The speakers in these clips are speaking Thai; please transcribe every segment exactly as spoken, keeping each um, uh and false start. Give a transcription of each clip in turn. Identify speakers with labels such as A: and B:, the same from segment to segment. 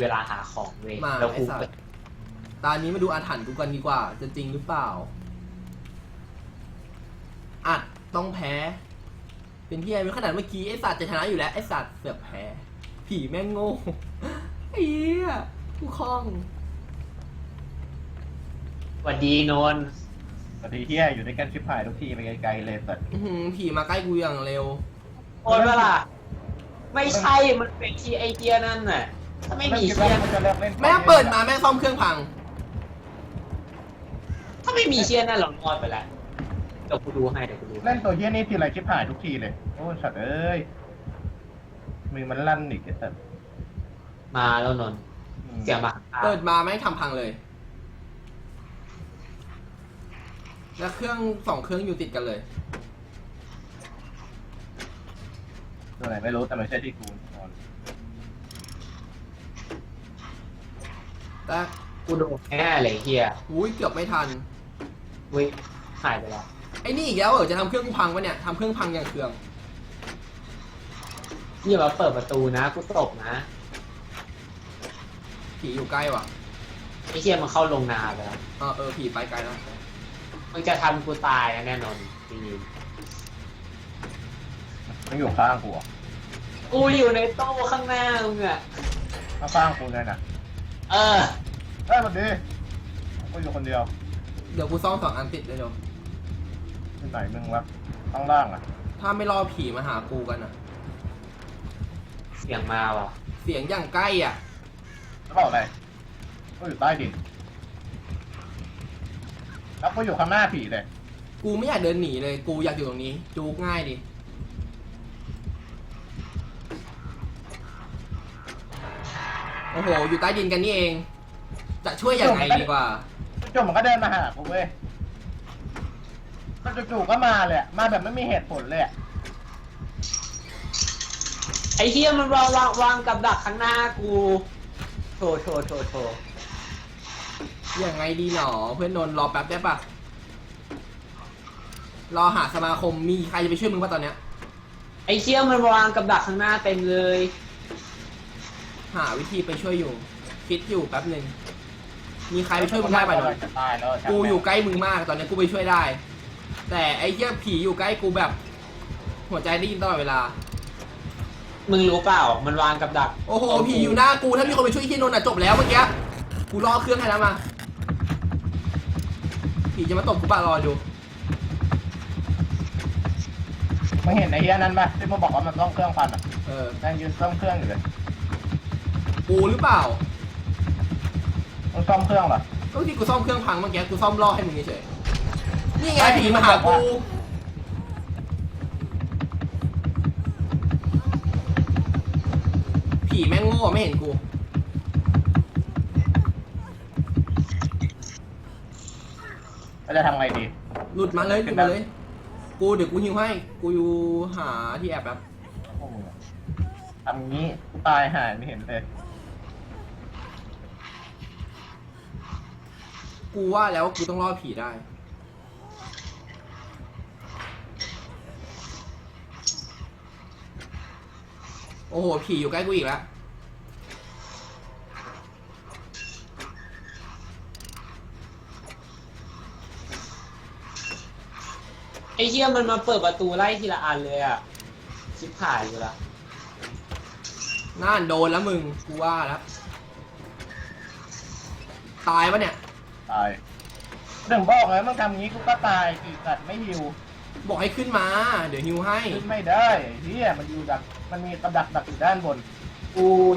A: เวลาหาของเว้ย
B: มา
A: แล้ว
B: ไอ้
A: กู
B: สัตว์ตอนนี้มาดูอาถรรพ์กูกันดีกว่าจะจริงหรือเปล่าอัดต้องแพ้ เป็นที่ไอ้ขนาดเมื่อกี้ไอ้สัตว์จะชนะอยู่แล้วไอ้สัตว์เสือกแพ้ผีแม่งโง่ไอ้เหี้ยกูคล่อง
A: สวัสดีนนท์
C: สวัสดีเฮียอยู่ด้วยกันชิบหายทุกทีไปไกลๆเลยสัตว์
B: อื้อหือผีมาใกล้กูอย่างเร็ว
A: โอนเวลาไม่ใช่มันเป็นที่ไอเดียนั่นน่ะถ้าไม่มีเชียน
C: มันจะเลิกเล่น
B: แม่งเปิดมาแม่งซ่อมเครื่องพัง
A: ถ้าไม่มีเชียนนั่นเรานอนไปแล้วเดี๋ยวกูดูให้เดี๋ยวกูดู
C: เล่นตัวเฮียนี่ทีไรชิบหายทุกทีเลยโอ้สัตว์เอ้ยมือมันลั่นอีกไอ้สัตว์
A: มาแล้วนนท์เสียงมา
B: เปิดมาแม่งทำพังเลย แล้วเครื่องสองเครื่องอยู่ติดกันเลย
C: ตัวไหนไม่รู้แต่ไม่ใช่ที่กูนอน
B: แต่
A: กูโดนแน่เลยเฮีย
B: อุ้ยเกือบไม่ทัน
A: เว้ยหายไปแล้ว
B: ไอ้นี่อีกแล้วเหรอจะทำเครื่องกูพังวะเนี่ยทำเครื่องพังอย่างเครื่อง
A: อย่ามาเปิดประตูนะกูตบนะ
B: ผีอยู่ใกล้ว่ะ
A: ไอเชียมันเข้าลงนาไปแล้ว
B: เออเออผีไปไกลแล้ว
A: มันจะทำกูตายนะแน่นอนจริง
C: มันอยู่ข้างกูอ่ะ
A: กูอยู่ในโต๊ะข้างหน้ามึงอะ
C: ข้างๆกูเลยนะ
A: เออ
C: เอ้ยสวัสดีกูอยู่คนเดียว
B: เดี๋ยวกูซ่อมสองอันติดเลยเดี๋ยว
C: ที่ไหนมึงวะข้างล่างอ่ะ
B: ถ้าไม่รอผีมาหากูกันอ่ะ
A: เสียงมาว่ะ
B: เสียงอย่างใกล้อ่ะ
C: แล้วบอกอะไรกูอยู่ใต้ดินแล้วกูอยู่ข้างหน้าผีเลย
B: กูไม่อยากเดินหนีเลย กูอยากอยู่ตรงนี้ จูกง่ายดิ โอ้โห อยู่ใต้ดินกันนี่เอง จะช่วยยังไงดีกว่า
C: จู่ๆมันก็เดินมาหากูเว้ยมันจู่ๆก็มาเลยอะมาแบบไม่มีเหตุผลเลยอะ
A: ไอเฮียมันวางวางวางกับดักข้างหน้ากูโถโถโถโถ
B: ยังไงดีหนอ เพื่อนนนท์รอแป๊บได้ปะรอหาสมาคมมีใครจะไปช่วยมึงป่ะตอนเนี้ย
A: ไอเฮียมันวางกับดักข้างหน้าเต็มเลย
B: หาวิธีไปช่วยอยู่ คิดอยู่แป๊บหนึ่งมีใครไปช่วยมึงได้ป่ะนนท์
C: จะตายแล้ว
B: กูอยู่ใกล้มึงมากตอนนี้กูไปช่วยได้ แต่ไอ้เหี้ยผีอยู่ใกล้กูแบบ หัวใจได้ยินตลอดเวลา
A: มึงรู้เปล่ามันวางกับดัก
B: โอ้โหผีอยู่หน้ากูถ้ามีคนไปช่วยไอ้เหี้ยนนท์อ่ะจบแล้วเมื่อกี้กูรอเครื่องให้แล้วมาผีจะมาตบกูป่ะรอดู
C: มึงเห็นไอ้เฮียนั้นปะที่มึงบอกว่ามันต้องเครื่องพันอ่ะ
B: เออ
C: นั่งยืนซ่อมเครื่องอยู่เลย
B: กูหรือเปล่า
C: มึงซ่อมเครื่องเหรอ
B: ก็ที่กูซ่อมเครื่องพังเมื่อกี้กูซ่อมล่อให้มึงเฉยนี่ไงผีมาหากูผีแม่งโง่ไม่เห็นกู
C: แล้วจะทำไงดี
B: หลุดมาเลยหลุดมาเลย กูเดี๋ยวกูหิวให้ กูอยู่หาที่แอบแบบ
C: พวกมึงอะทำงี้กูตายหายไม่เห็นเลย
B: กูว่าแล้วกูต้องรอดผีได้ โอ้โห ผีอยู่ใกล้กูอีกแล้ว
A: ไอเฮียมันมาเปิดประตูไล่ทีละอันเลยอะชิบหายอยู่ละ
B: น่านโดนแล้วมึง กูว่าแล้ว ตายปะเนี่ย
C: ตายถึงบอกไงมึงทำงี้กูก็ตายอีกสัตว์ไม่หิว
B: บอกให้ขึ้นมา เดี๋ยวฮิวให้
C: ขึ้นไม่ได้ไอ้เฮียมันอยู่ดักมันมีกระดักดักอยู่ด้านบน
A: อุ้ย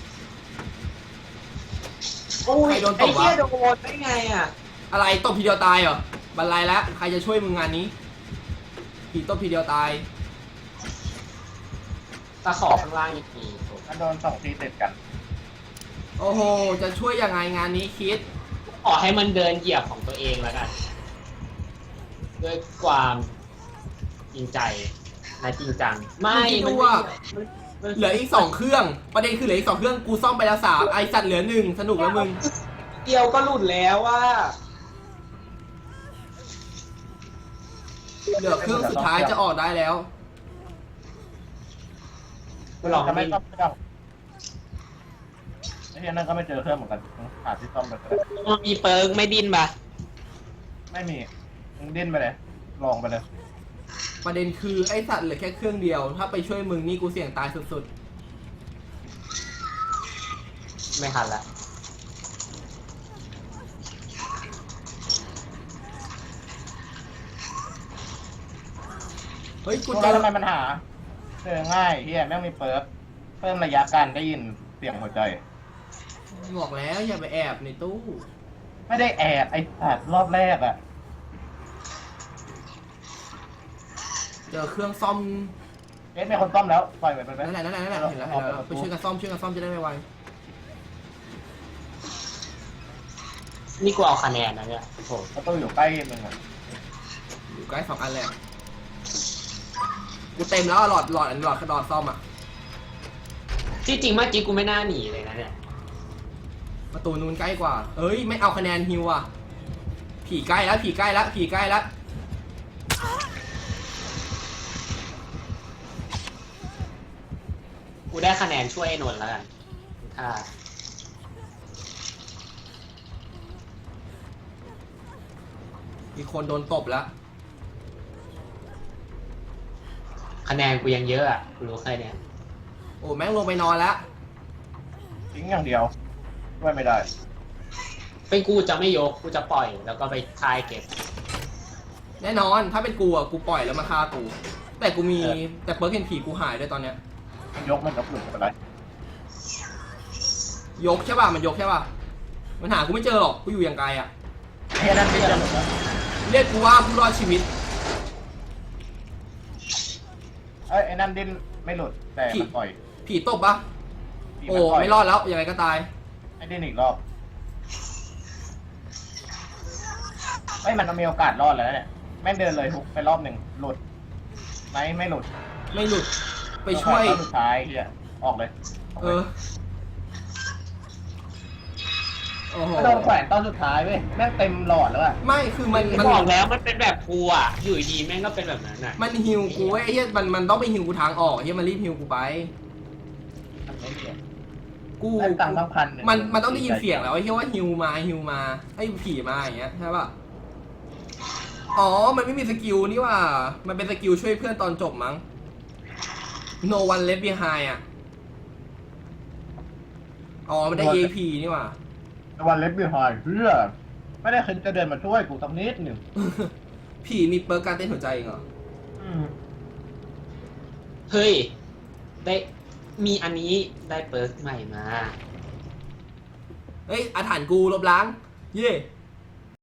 A: อุ้ย
B: ใครโดนต
A: ไอบ
B: วะ
A: เฮียโดนได้ไงอะ
B: อะไรตบทีเดียวตายเหรอ บันไลแล้ว ใครจะช่วยมึงงานนี้ ผีตบทีเดียวตาย
A: ตะขอข้างล่างอีกทีโถ
C: มันโดนสองทีติดกัน
B: โอ้โห จะช่วยยังไงงานนี้คิด
A: ขอให้มันเดินเหยียบของตัวเองแล้วกันด้วยความจริงใจและจริงจัง ไม่
B: มึงคิดดู
A: มัน
B: ว่า
A: ไม่มัน
B: เหลืออีกสองเครื่อง ประเด็นคือเหลืออีกสองเครื่อง กูซ่อมไปแล้วสามไอสัตว์เหลือหนึ่งสนุกแล้วมึง
A: เดียวก็หลุดแล้วว่า
B: เหลือเครื่องสุดท้ายจะออกได้แล้ว
A: กูลอง
C: จะไม่
A: ไม่
C: ซ่อมเครื่องไอ้ที่นั่นก็ไม่เจอเครื่องเหมือนกันหาที่ซ่อมไปก็ได้
A: มันมีเปิร์กไม่ดิ้นปะ
C: ไม่มีมึงดิ้นไปเลยลองไปเลย
B: ประเด็นคือไอสัตว์เหลือแค่เครื่องเดียว ถ้าไปช่วยมึงนี่กูเสี่ยงตายสุด
A: ไม่ทันละ
B: ๆ เฮ้ย กู
C: กู
B: เจ
C: แล้ว
B: อ
C: ทำไมมันหาเจอง่ายเฮียแม่งมีเปิร์กเพิ่มระยะการได้ยินเสียงหัวใจ
B: บอกแล้วอย่าไปแอบในตู้
C: ไม่ได้แอบไอ้สัตว์รอบแรกอะ
B: เจอเครื่องซ่อม
C: เอ๊ะมีคนซ่อมแล้วปล่อยไปไปไป
B: นั่นแหละนั่นแหละนั่นแหละเห็นแล้วเห็นแล้วไปช่วยกันซ่อมช่วยกันซ่อมจะได้ไว
A: นี่กูเอาคะแนนนะเนี่ยโอ้โห
C: ประตูอยู่ใกล้มึงอะ
B: ๆอยู่ใกล้สองอันเลยอะกูเต็มแล้วอะหลอดหลอดอันหลอดหลอดซ่อมอ่ะ
A: ที่จริงเมื่อกี้กูไม่น่าหนีเลยนะเนี่ย
B: ประตูนู้นใกล้กว่า เอ้ยไม่เอาคะแนนฮิวอ่ะ ผีใกล้แล้วผีใกล้แล้วผีใกล้แล้ว
A: กูได้คะแนนช่วยไอ้นนท์แล้วกันถ้า
B: มีคนโดนตบแล้ว
A: คะแนนกูยังเยอะอ่ะกูรู้แค่เนี้ย
B: โอ้แม่งลงไปนอนแล้ว
C: ทิ้งอย่างเดียวช่วยไม่ได้
A: เป็นกูจะไม่ยกกูจะปล่อยแล้วก็ไปคายเก็บ
B: แน่นอนถ้าเป็นกูอ่ะกูปล่อยแล้วมาฆ่ากู แต่กูมี
C: เออ
B: แต่เปิร์กเห็นผีกูหายด้วยตอนเนี้ย
C: มันยกมันยกหลุดไปเลย
B: ยกใช่ป่ะมันยกใช่ป่ะมันหากูไม่เจอหรอกกูอยู่อย่างไกลอ่ะ
C: เฮียนั่นไม่เจอหลุดแล้ว
B: เรียกกูว่าผู้รอดชีวิต
C: เอ้ยไอ้นั่นดิ้นไม่หลุดแต่มันปล่อย
B: ผีตบปะ
C: ผี
B: โอ้
C: นปล่ย
B: ไม่รอดแล้วยังไงก็ตาย
C: ไอ้ดิ้นอีกรอบเฮ้ยมันมีโอกาสรอดแล้วเนี่ยแม่งเดินเลยทุกไปรอบหนึ่งหลุดไหมไม่หลุด
B: ไม่หลุดไปช่วย
C: รอบสุดท้ายเฮียออกเลยออก
B: เอ
C: เลย
B: อโอ้โห
C: ไม่โดนแขวนตอนสุดท้ายเว้ยแม่งเต็มหลอดแล้วอะ
B: ไม่คือมันมัน
A: บอกแล้วมันเป็นแบบกูอ่ะอยู่ดีแม่งก็เป็นแบบนั้นอ่ะ
B: มันฮิวกูเว้ยไอ้เหี้ยมันมันต้องไปฮิวกูทางออกเฮียมันรีบฮิวกูไป
C: มันไม่เกี่ยว
B: กู
C: แม่งตังค์ตั้งพันหนึ่ง
B: มันมันต้องได้ยินเสียงแล้วไอ้เฮียว่าฮิวมาฮิวมาไอ้ผีมาอย่างเงี้ยใช่ป่ะอ๋อมันไม่มีสกิลนี่ว่ามันเป็นสกิลช่วยเพื่อนตอนจบมั้ง no one left behind อ่ะอ๋อมันได้ เอ พี นี่ว่า
C: ตะวันเล็บบีหายเพื่อไม่ได้เคยจะเดินมาช่วยกูสักนิดหนึ่ง
B: ผีมีเปิร์กการเต้นหัวใจเองเหรอ
C: อืม
A: เฮ้ยได้มีอันนี้ได้เปิร์กใหม่มา
B: เอ้ยอาถรรพ์กูลบล้าง เย่